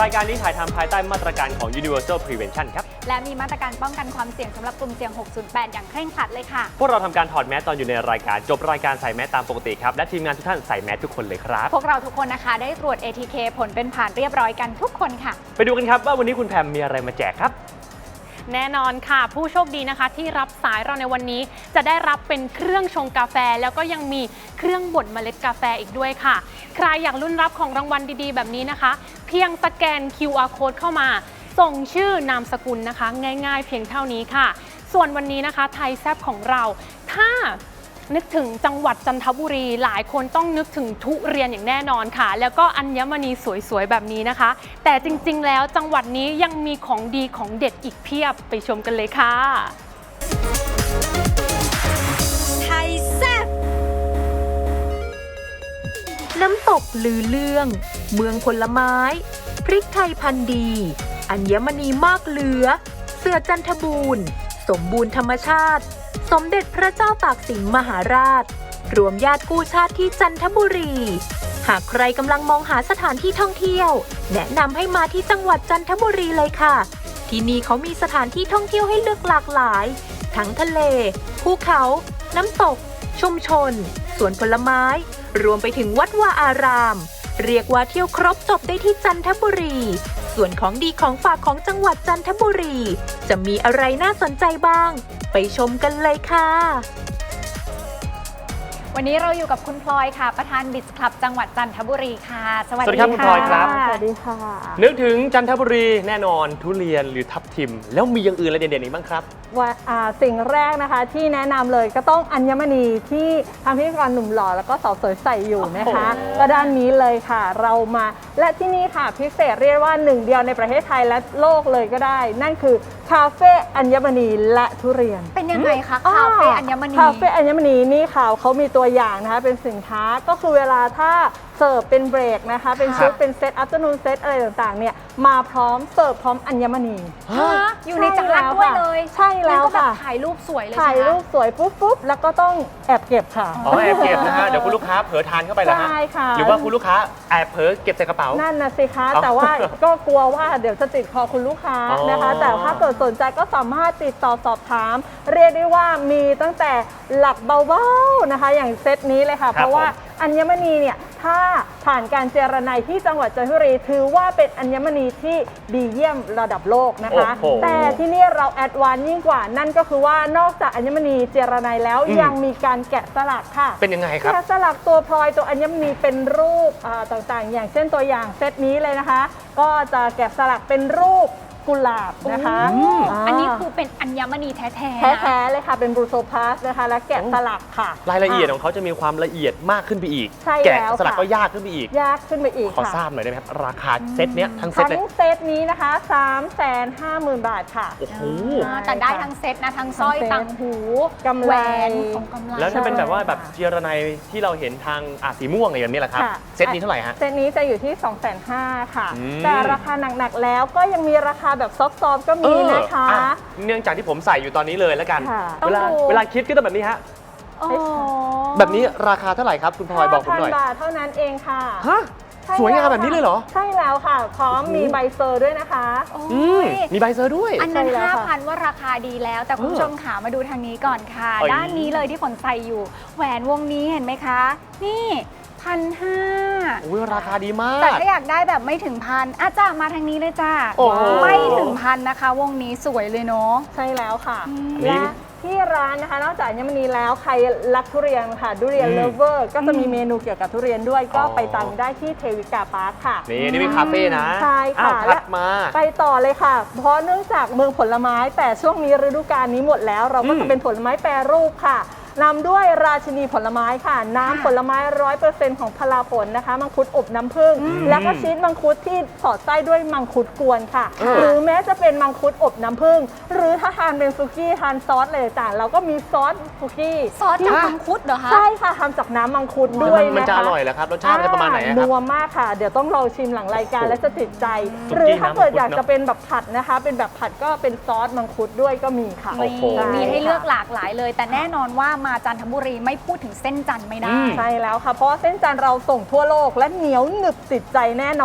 ายการนี้ถ่ายทำภายใต้มาตรการของ Universal Prevention ครับและมีมาตรการป้องกันความเสี่ยงสำหรับกลุ่มเสี่ยง 608 อย่างเคร่งครัดเลยค่ะพวกเราทำการถอดแมสตอนอยู่ในรายการจบรายการใส่แมสตามปกติครับและทีมงานทุกท่านใส่แมสทุกคนเลยครับพวกเราทุกคนนะคะได้ตรวจ ATK ผลเป็นผ่านเรียบร้อยกันทุกคนค่ะไปดูกันครับว่าวันนี้คุณแพมมีอะไรมาแจกครับแน่นอนค่ะผู้โชคดีนะคะที่รับสายเราในวันนี้จะได้รับเป็นเครื่องชงกาแฟแล้วก็ยังมีเครื่องบดเมล็ดกาแฟอีกด้วยค่ะใครอยากลุ้นรับของรางวัลดีๆแบบนี้นะคะเพียงสแกน QR Code เข้ามาส่งชื่อนามสกุลนะคะง่ายๆเพียงเท่านี้ค่ะส่วนวันนี้นะคะไทยแซ่บของเราถ้านึกถึงจังหวัดจันทบุรีหลายคนต้องนึกถึงทุเรียนอย่างแน่นอนค่ะแล้วก็อัญมณีสวยๆแบบนี้นะคะแต่จริงๆแล้วจังหวัดนี้ยังมีของดีของเด็ดอีกเพียบไปชมกันเลยค่ะไทยแซ่บน้ำตกลือเรื่องเมืองผลไม้พริกไทยพันธุ์ดีอัญมณีมากเหลือเสือจันทบูรณ์สมบูรณ์ธรรมชาติสมเด็จพระเจ้าตากสินมหาราชรวมญาติกู้ชาติที่จันทบุรีหากใครกำลังมองหาสถานที่ท่องเที่ยวแนะนำให้มาที่จังหวัดจันทบุรีเลยค่ะที่นี่เขามีสถานที่ท่องเที่ยวให้เลือกหลากหลายทั้งทะเลภูเขาน้ำตกชุมชนสวนผลไม้รวมไปถึงวัดวาอารามเรียกว่าเที่ยวครบจบได้ที่จันทบุรีส่วนของดีของฝากของจังหวัดจันทบุรีจะมีอะไรน่าสนใจบ้างไปชมกันเลยค่ะวันนี้เราอยู่กับคุณพลอยค่ะประธานบิสคลับจังหวัดจันทบุรีค่ะสวัสดีครับคุณพลอยครับสวัสดีค่ะนึกถึงจันทบุรีแน่นอนทุเรียนหรือทับทิมแล้วมีอย่างอื่นอะไรเด่นๆอีกบ้างครับว่าสิ่งแรกนะคะที่แนะนำเลยก็ต้องอัญมณีที่ทางพิธีกรหนุ่มหล่อแล้วก็สาวสวยใส่อยู่นะคะก็ด้านนี้เลยค่ะเรามาและที่นี่ค่ะพิเศษเรียกว่าหนึ่งเดียวในประเทศไทยและโลกเลยก็ได้นั่นคือคาเฟ่อัญมณีและทุเรียนเป็นยังไงคะคาเฟ่อัญมณีคาเฟ่อัญมณีนี่ค่ะเขามีตัวอย่างนะคะเป็นสินค้าก็คือเวลาถ้าเสิร์ฟเป็นเบรกนะคะเป็นชุดเป็นเซตอัพเตอร์นูนเซตอะไรต่างๆเนี่ยมาพร้อมเสิร์ฟพร้อมอัญมณีอยู่ในจานด้วยเลยใช่แล้วค่ะถ่ายรูปสวยเลยถ่ายรูปสวยปุ๊บแล้วก็ต้องแอบเก็บค่ะอ๋อแอบเก็บนะฮะเดี๋ยวคุณลูกค้าเผลอทานเข้าไปแล้วฮะใช่ค่ะหรือว่าคุณลูกค้าแอบเผลอเก็บใส่กระเป๋านั่นนะสิคะแต่ว่าก็กลัวว่าเดี๋ยวจะติดคอคุณลูกค้านะคะแต่ถ้าเกิดสนใจก็สามารถติดต่อสอบถามเรียกได้ว่ามีตั้งแต่หลักเบาๆนะคะอย่างเซตนี้เลยค่ะเพราะว่าอัญมณีเนี่ยถ้าผ่านการเจรไนที่จังหวัดจันทบุรีถือว่าเป็นอัญมณีที่ดีเยี่ยมระดับโลกนะคะแต่ที่นี่เราแอดวานซ์ยิ่งกว่านั่นก็คือว่านอกจากอัญมณีเจรไนแล้วยังมีการแกะสลักค่ะเป็นยังไงครับแกะสลักตัวพลอยตัวอัญมณีเป็นรูปต่างๆอย่างเช่นตัวอย่างเซตนี้เลยนะคะก็จะแกะสลักเป็นรูปกุหลาบนะคะอันนี้คือเป็นอัญมณีแท้ๆเลยค่ะเป็นบรูโซพาสนะคะและแกะสลักค่ะรายละเอียดของเขาจะมีความละเอียดมากขึ้นไปอีกแกะสลักก็ยากขึ้นไปอีกขอทราบหน่อยได้ไหมครับราคาเซตเนี้ยทั้งเซตเลยทั้งเซตนี้นะคะ350,000 บาทค่ะโอ้โหแต่ได้ทั้งเซตนะทั้งสร้อยต่างหูกำไรของกำไรแล้วถ้าเป็นแบบว่าแบบเจรไนที่เราเห็นทางสีม่วงอะไรแบบนี้แหละครับเซตนี้เท่าไหร่ฮะเซตนี้จะอยู่ที่ 250,000 ค่ะแต่ราคาหนักๆแล้วก็ยังมีราคาแบบซอฟต์ก็มีนะคะเนื่องจากที่ผมใส่อยู่ตอนนี้เลยแล้วกันเวลาคิดก็ต้องแบบนี้ฮะแบบนี้ราคาเท่าไหร่ครับคุณพลอยบอกผมหน่อย 5,000 บาทเท่านั้นเองค่ะฮะสวยงามแบบนี้เลยเหรอใช่แล้วค่ะพร้อมมีใบเซอร์ด้วยนะคะมีใบเซอร์ด้วยอันนั้น 5,000 ว่าราคาดีแล้วแต่คุณผู้ชมขามาดูทางนี้ก่อนค่ะด้านนี้เลยที่ฝนใส่อยู่แหวนวงนี้เห็นไหมคะนี่1,500 อุ้ยราคาดีมากแต่ถ้าอยากได้แบบไม่ถึง1,000จ้ามาทางนี้เลยจ้าไม่ถึง1,000นะคะวงนี้สวยเลยเนาะใช่แล้วค่ะและที่ร้านนะคะนอกจากอัญมณีแล้วใครรักทุเรียนค่ะทุเรียนเลฟเวอร์ก็จะมีเมนูเกี่ยวกับทุเรียนด้วยก็ไปตังได้ที่เทวิกาพาร์คค่ะนี่เป็นคาเฟ่นะใช่ค่ะและมาไปต่อเลยค่ะเพราะเนื่องจากเมืองผลไม้แต่ช่วงนี้ฤดูกาลนี้หมดแล้วเราก็จะเป็นผลไม้แปรรูปค่ะนำด้วยราชินีผลไม้ค่ะน้ำผลไม้ 100% ของพลาผลนะคะมังคุดอบน้ำผึ้งแล้วก็ชีสมังคุดที่สอดไส้ด้วยมังคุดกวนค่ะหรือแม้จะเป็นมังคุดอบน้ำผึ้งหรือถ้าทานเป็นซุกี้ทานซอสอะไรต่างๆเราก็มีซอสซุกี้ซอสจากมังคุดเหรอคะใช่ค่ะทำจากน้ำมังคุดด้วยนะคะมันจะอร่อยเหรอครับรสชาติจะประมาณไหนครับนัวมากค่ะเดี๋ยวต้องลองชิมหลังรายการและจะติดใจหรือถ้าเกิดอยากจะเป็นแบบผัดนะคะเป็นแบบผัดก็เป็นซอสมังคุดด้วยก็มีค่ะมีให้เลือกหลากหลายเลยแต่แน่นอนว่ามาจันทบุรีไม่พูดถึงเส้นจันทร์ไม่ได้ใช่แล้วค่ะเพราะว่าเส้นจันทร์เราส่งทั่วโลกและเหนียวหนึบติดใจแน่นอนแ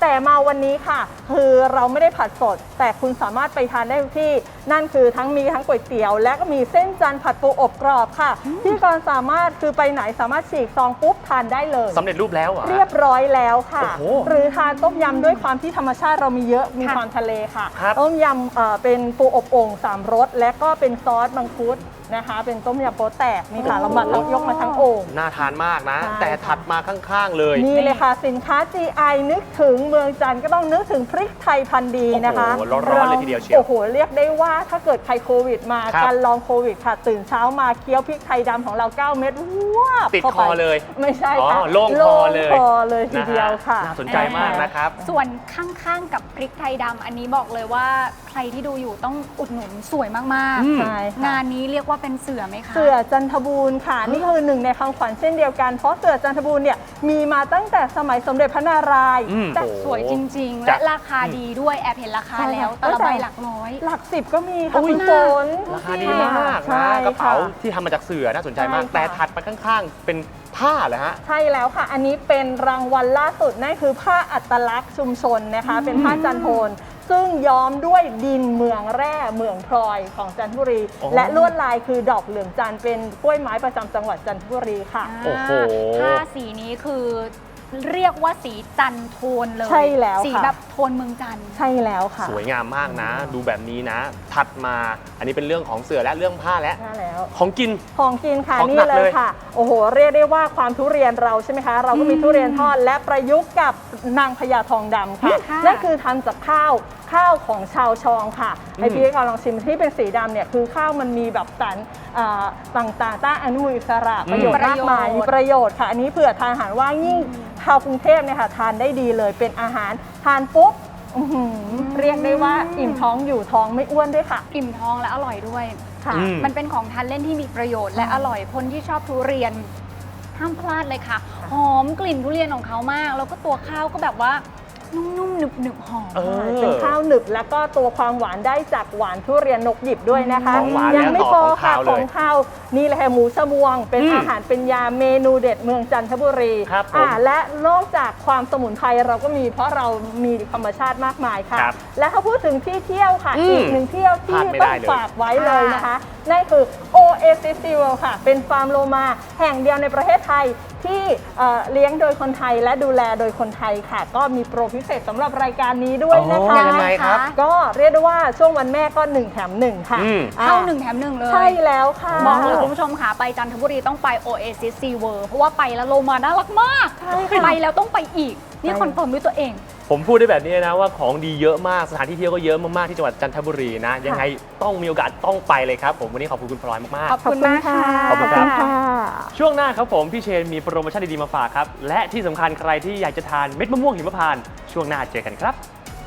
แต่มาวันนี้ค่ะ คือเราไม่ได้ผัดสด แต่คุณสามารถไปทานได้ทุกที่นั่นคือมีทั้งก๋วยเตี๋ยวและก็มีเส้นจันทร์ผัดปูอบกรอบค่ะที่ก่อนสามารถคือไปไหนสามารถฉีกซองปุ๊บทานได้เลยสำเร็จรูปแล้วเหรอเรียบร้อยแล้วค่ะโอ้โหหรือทานต้มยำด้วยความที่ธรรมชาติเรามีเยอะมีความทะเลค่ะครับต้มยำเป็นปูอบโอ่ง3 รสและก็เป็นซอสมังคุดนะคะ เป็นต้มยำโป๊แตกนี่ค่ะเรามาทั้งยกมาทั้งโอ่งน่าทานมากนะใช่แต่ถัดมาข้างๆเลยนี่เลยค่ะสินค้า GI นึกถึงเมืองจันทร์ก็ต้องนึกถึงพริกไทยพันธุ์ดีนะคะโอ้โหร้อนๆเลยทีเดียวเชียวโอ้โหเรียกได้ว่าถ้าเกิดใครโควิดมาครับการลองโควิดค่ะตื่นเช้ามาเคี้ยวพริกไทยดำของเรา9 เม็ดว้าบติดข้าคไปอเลยไม่ใช่ค่ะโล่งคอเลยโล่งคอเลยทีเดียวค่ะน่าสนใจมากนะครับส่วนข้างๆกับพริกไทยดำอันนี้บอกเลยว่าใครที่ดูอยู่ต้องอุดหนุนสวยมากอืมใช่ค่ะงานนี้เรียกว่าเป็นเสือไหมคะเสือจันทบูรณ์ค่ะ นี่คือหนึ่งในคำขวัญเช่นเดียวกัน เพราะเสือจันทบูรณ์เนี่ยมีมาตั้งแต่สมัยสมเด็จพระนารายณ์อืมแต่โอ้โหสวยจริง ๆจะและราคาดีด้วยแอบเห็นราคาใช่แล้วค่ะแต่ละแต่ใบหลักร้อยหลัก10ก็มีค่ะอุ้ยคุณฝนราคาดีมากใช่นะกระเป๋าค่ะที่ทำมาจากเสือน่าสนใจมากใช่ค่ะแต่ถัดไปข้างๆ เป็นผ้าเหรอฮะใช่แล้วค่ะ อันนี้เป็นรางวัลล่าสุดนั่นคือผ้าอัตลักษณ์ชุมชนนะคะ เป็นผ้าจันโทน ซึ่งย้อมด้วยดินเมืองแร่เมืองพลอยของจันทบุรีอ๋อและลวดลายคือดอกเหลืองจันทร์เป็นกล้วยไม้ประจำจังหวัดจันทบุรีค่ะโอ้โหผ้าสีนี้คือเรียกว่าสีจันโทนเลยใช่แล้วสีค่ะแบบโทนเมืองจันทร์ใช่แล้วค่ะสวยงามมากนะ ดูแบบนี้นะ ถัดมาอันนี้เป็นเรื่องของเสือและเรื่องผ้าและใช่แล้วของกินของกินค่ะของนี่หนักเลเลย ยค่ะ โอ้โห เรียกได้ว่าความทุเรียนเราใช่ไหมคะ เราก็มีทุเรียนทอดและประยุกต์กับนางพญาทองดำค่ะค่ะนั่นคือทำจากข้าวของชาวชองค่ะไอพี่ก็ลองชิมที่เป็นสีดำเนี่ยคือข้าวมันมีแบบสารต่างๆต้านอนุมูลอิสระประโยชน์มากมายมีประโยชน์ค่ะ อันนี้เผื่อทานอาหารว่างยิ่งชาวกรุงเทพเนี่ยค่ะทานได้ดีเลยเป็นอาหารทานปุ๊บอื้อหือเรียกได้ว่าอิ่มท้องอยู่ท้องไม่อ้วนด้วยค่ะอิ่มท้องและอร่อยด้วยค่ะอืมมันเป็นของทานเล่นที่มีประโยชน์และอร่อยคนที่ชอบทุเรียนห้ามพลาดเลยค่ะ หอมกลิ่นทุเรียนของเขามาก แล้วก็ตัวข้าวก็แบบว่านุ่มๆหนึบๆหอมเออเป็นข้าวหนึบแล้วก็ตัวความหวานได้จากหวานทุเรียนนกหยิบด้วยนะคะของหวานยัไม่แล้วพต่ออของค่ะข้าวเลยของข้าวนี่แหละค่ะหมูชะมวง เป็นอืมอาหารเป็นยาเมนูเด็ดเมืองจันทบุรีครับผมและนอกจากความสมุนไพรเราก็มีเพราะเรามีธรรมชาติมากมายค่ะครับและถ้าพูดถึงที่เที่ยวค่ะอืมอีกหนึ่งเที่ยวที่พลาดไม่ต้อได้งเลยฝากไว้เลยนะคะ นั่นคือ Oasis World ค่ะ เป็นฟาร์มโลมาแห่งเดียวในประเทศไทยที่เลี้ยงโดยคนไทยและดูแลโดยคนไทยค่ะ ก็มีโปรพิเศษสำหรับรายการนี้ด้วยนะคะอ๋อยังไงครับก็เรียกได้ว่าช่วงวันแม่ก็ 1 แถม 1 ค่ะอืมเข้า1 แถม 1 เลยใช่แล้วค่ะบอกเลยคุณผู้ชมค่ะไปจันทบุรีต้องไป Oasis Sea World เพราะว่าไปแล้วโลมาน่ารักมากใช่ค่ะไปแล้วต้องไปอีก นี่ใช่คอนเฟิร์มด้วยตัวเองผมพูดได้แบบนี้นะว่าของดีเยอะมากสถานที่เที่ยวก็เยอะมากๆที่จังหวัดจันทบุรีนะ ยังไงต้องมีโอกาสต้องไปเลยครับ ผมวันนี้ขอบคุณคุณพลอยมากขอบคุณมากค่ะขอบคุณครับค่ะๆ ช่วงหน้าครับผมพี่เชนมีโปรโมชั่นดีๆมาฝากครับ และที่สำคัญใครที่อยากจะทานเม็ดมะม่วงหิมพานต์ช่วงหน้าเจอกันครับ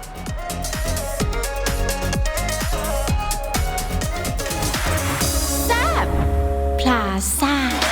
พลาซ่า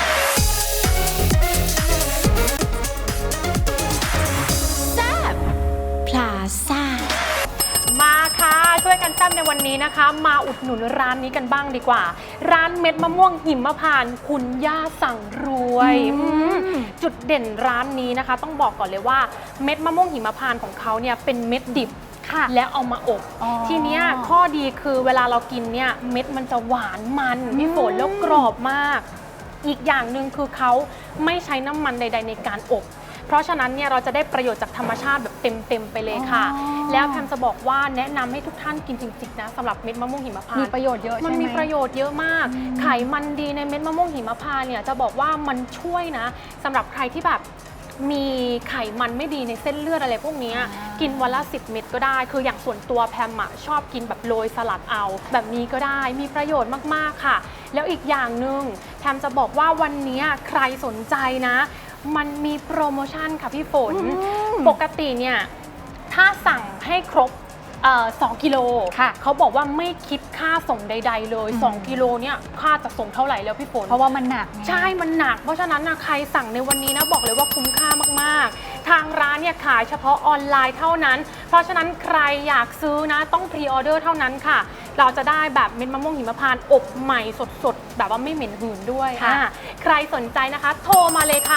แซบพลาซ่ามาค่ะช่วยกันแซ่บในวันนี้นะคะ มาอุดหนุนร้านนี้กันบ้างดีกว่า ร้านเม็ดมะม่วงหิมพานต์คุณย่าสั่งรวยจุดเด่นร้านนี้นะคะ ต้องบอกก่อนเลยว่าเม็ดมะม่วงหิมพานต์ของเขาเนี่ยเป็นเม็ดดิบค่ะแล้วเอามาอบอ๋อทีเนี้ยข้อดีคือเวลาเรากินเนี่ยเม็ดมันจะหวานมันพี่ฝนแล้วกรอบมาก อีกอย่างหนึ่งคือเขาไม่ใช้น้ำมันใด ๆ ในการอบ เพราะฉะนั้นเนี่ยเราจะได้ประโยชน์จากธรรมชาติแบบเต็มๆไปเลยค่ะอ๋อแล้วแพมจะบอกว่าแนะนำให้ทุกท่านกินจริงๆนะสำหรับเม็ดมะม่วงหิมพานต์มีประโยชน์เยอะใช่ไหมมันมีประโยชน์เยอะมาก ไขมันดีในเม็ดมะม่วงหิมพานต์เนี่ยจะบอกว่ามันช่วยนะสำหรับใครที่แบบมีไขมันไม่ดีในเส้นเลือดอะไรพวกเนี้ยกินวันละ10 เม็ดก็ได้ คืออย่างส่วนตัวแพมอะชอบกินแบบโรยสลัดเอา แบบนี้ก็ได้มีประโยชน์มากๆค่ะ แล้วอีกอย่างหนึ่งแพมจะบอกว่าวันนี้ใครสนใจนะ มันมีโปรโมชั่นค่ะพี่ฝน ปกติเนี่ยถ้าสั่งให้ครบ2 กิโลค่ะเขาบอกว่าไม่คิดค่าส่งใด ๆ เลย 2 กิโลเนี่ยค่าจะส่งเท่าไหร่แล้วพี่ฝนเพราะว่ามันหนักไงใช่ มันหนัก เพราะฉะนั้นนะใครสั่งในวันนี้นะบอกเลยว่าคุ้มค่ามากๆ ทางร้านเนี่ยขายเฉพาะออนไลน์เท่านั้น เพราะฉะนั้นใครอยากซื้อนะต้องพรีออเดอร์เท่านั้นค่ะ เราจะได้แบบเม็ดมะม่วงหิมพานต์อบใหม่สดๆ แบบว่าไม่เหม็นหืนด้วยค่ะใครสนใจนะคะ โทรมาเลยค่ะ 0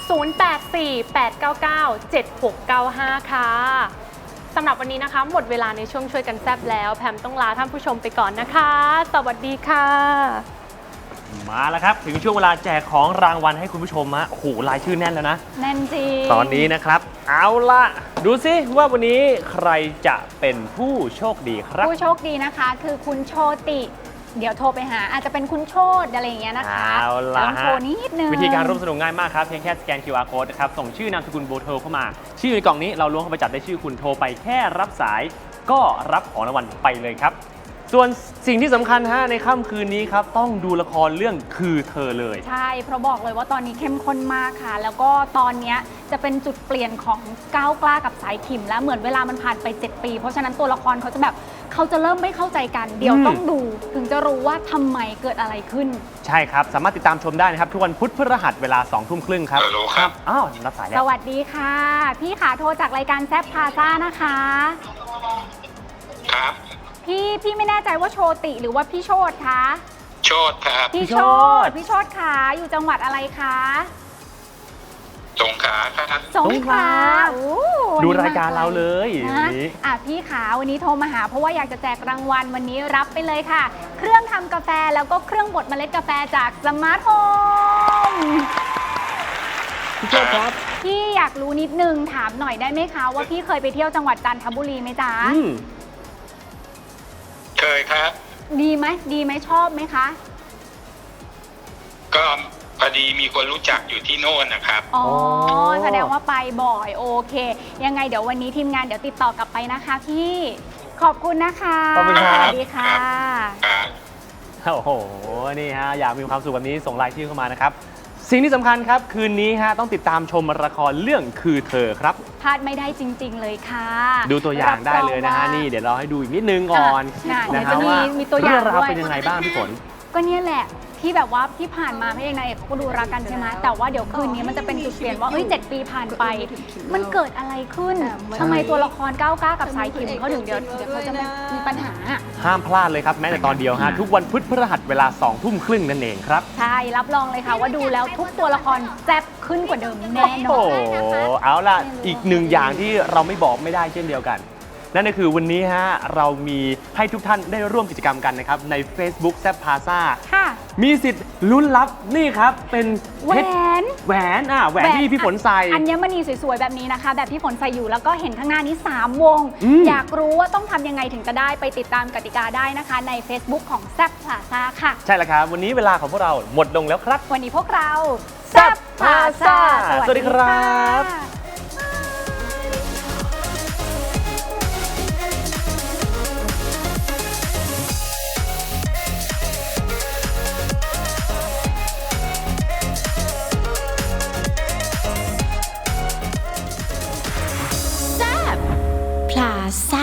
0848997695 ค่ะสำหรับวันนี้นะคะหมดเวลาในช่วงช่วยกันแซบแล้วแพมต้องลาท่านผู้ชมไปก่อนนะคะ สวัสดีค่ะมาแล้วครับ ถึงช่วงเวลาแจกของรางวัลให้คุณผู้ชมฮะโอ้โหรายชื่อแน่นแล้วนะแน่นจริงตอนนี้นะครับ เอาล่ะ ดูซิว่าวันนี้ใครจะเป็นผู้โชคดีครับผู้โชคดีนะคะคือคุณโชติ เดี๋ยวโทรไปหาอาจจะเป็นคุณโชตอะไรอย่างเงี้ยนะคะเอาล่ะต้องโทรนิดนึงวิธีการร่วมสนุกง่ายมากครับ เพียงแค่สแกน QR code นะครับ ส่งชื่อนามสกุลโบอร์โทรเข้ามา ชื่อในกล่องนี้เราล้วงเข้าไปจับได้ชื่อคุณโทรไปแค่รับสายก็รับของรางวัลไปเลยครับ ส่วนสิ่งที่สำคัญฮะในค่ำคืนนี้ครับต้องดูละครเรื่องคือเธอเลยใช่ เพราะบอกเลยว่าตอนนี้เข้มข้นมากค่ะ แล้วก็ตอนเนี้ยจะเป็นจุดเปลี่ยนของก้าวกล้ากับสายขิมแล้วเหมือนเวลามันผ่านไป 7 ปี เพราะฉะนั้นตัวละครเขาจะแบบเขาจะเริ่มไม่เข้าใจกัน เดี๋ยวต้องดูถึงจะรู้ว่าทำไมเกิดอะไรขึ้นใช่ครับ สามารถติดตามชมได้นะครับ ทุกวันพุธพฤหัสเวลา 20:30 นครับฮัลโหลครับอ้าวรับสายแล้สววัสดีค่ะ พี่ขาโทรจากรายการแซฟพาซ่านะคะครับพี่ไม่แน่ใจว่าโชติหรือว่าพี่โชตคะโชดครับพี่โชตขาอยู่จังหวัดอะไรคะสงขลาครับสงขลาโอ้วันดูนี้รายการเราเลยนะวันนี้พี่ขาวันนี้โทรมาหาเพราะว่าอยากจะแจกรางวัลวันนี้รับไปเลยค่ะ เครื่องทำกาแฟแล้วก็เครื่องบดเมล็ดกาแฟจากสมาร์ทโฮมพี่โชคครับพี่อยากรู้นิดนึงถามหน่อยได้ไหมคะว่าพี่เคยไปเที่ยวจังหวัดจันทบุรีไหมจ๊ะเคยครับดีไหมชอบไหมคะก็พอดีมีคนรู้จักอยู่ที่โน่นนะครับอ๋อแสดงว่าไปบ่อยโอเค ยังไงเดี๋ยววันนี้ทีมงานเดี๋ยวติดต่อกลับไปนะคะพี่ขอบคุณนะคะขอบคุณครับสวัสดีค่ะครับโอ้โห นี่ฮะ อยากมีความสุขแบบนี้ส่งรายชื่อเข้ามานะครับ สิ่งที่สำคัญครับคืนนี้ฮะต้องติดตามชมละครเรื่องคือเธอครับพลาดไม่ได้จริง ๆ เลยค่ะดูตัวอย่างได้เลยนะฮะรับรองว่านี่เดี๋ยวเราให้ดูอีกนิดนึงก่อนอ่ะนะเดี๋ยวฮะจะว่ามีตัวอย่างเรื่องราวด้วยเป็นยังไงบ้างพี่ฝนก็เนี่ยแหละที่แบบว่าที่ผ่านมาพระเอกนางเอกเขาก็ดูรักกันใช่ไหมแต่ว่าเดี๋ยวคืนนี้มันจะเป็นจุดเปลี่ยนว่า7 ปีผ่านไป มันเกิดอะไรขึ้นทำไมตัวละครก้าวกล้ากับสายขิมเขาถึงเดี๋ยวเขาจะมีปัญหาห้ามพลาดเลยครับแม้แต่ตอนเดียวฮะทุกวันพุธพฤหัสเวลา 20:30 นั่นเองครับใช่รับรองเลยค่ะว่าดูแล้วทุกตัวละครแซ่บขึ้นกว่าเดิมแน่นโอ้อนโหเอาล่ะอีกหนึ่งอย่างที่เราไม่บอกไม่ได้เช่นเดียวกัน นั่นก็คือวันนี้ฮะเรามีให้ทุกท่านได้ร่วมกิจกรรมกันนะครับใน Facebook แซ p พาซ่าค่ะมีสิทธิ์ลุ้นรับนี่ครับเป็นแหวเพชรนแหวนแหวนที่พี่ฝนใส่อัญมณีสวยๆแบบนี้นะคะ แบบที่ฝนใส่อยู่แล้วก็เห็นข้างหน้านี้ 3 วง อยากรู้ว่าต้องทำยังไงถึงจะได้ไปติดตามกติกาได้นะคะ ใน Facebook ของแซ p พาซ่าค่ะใช่แล้วครับ วันนี้เวลาของพวกเราหมดลงแล้วครับวันนี้พวกเราแซ่บพาซ่าสวัสดีครับบพลาซ่า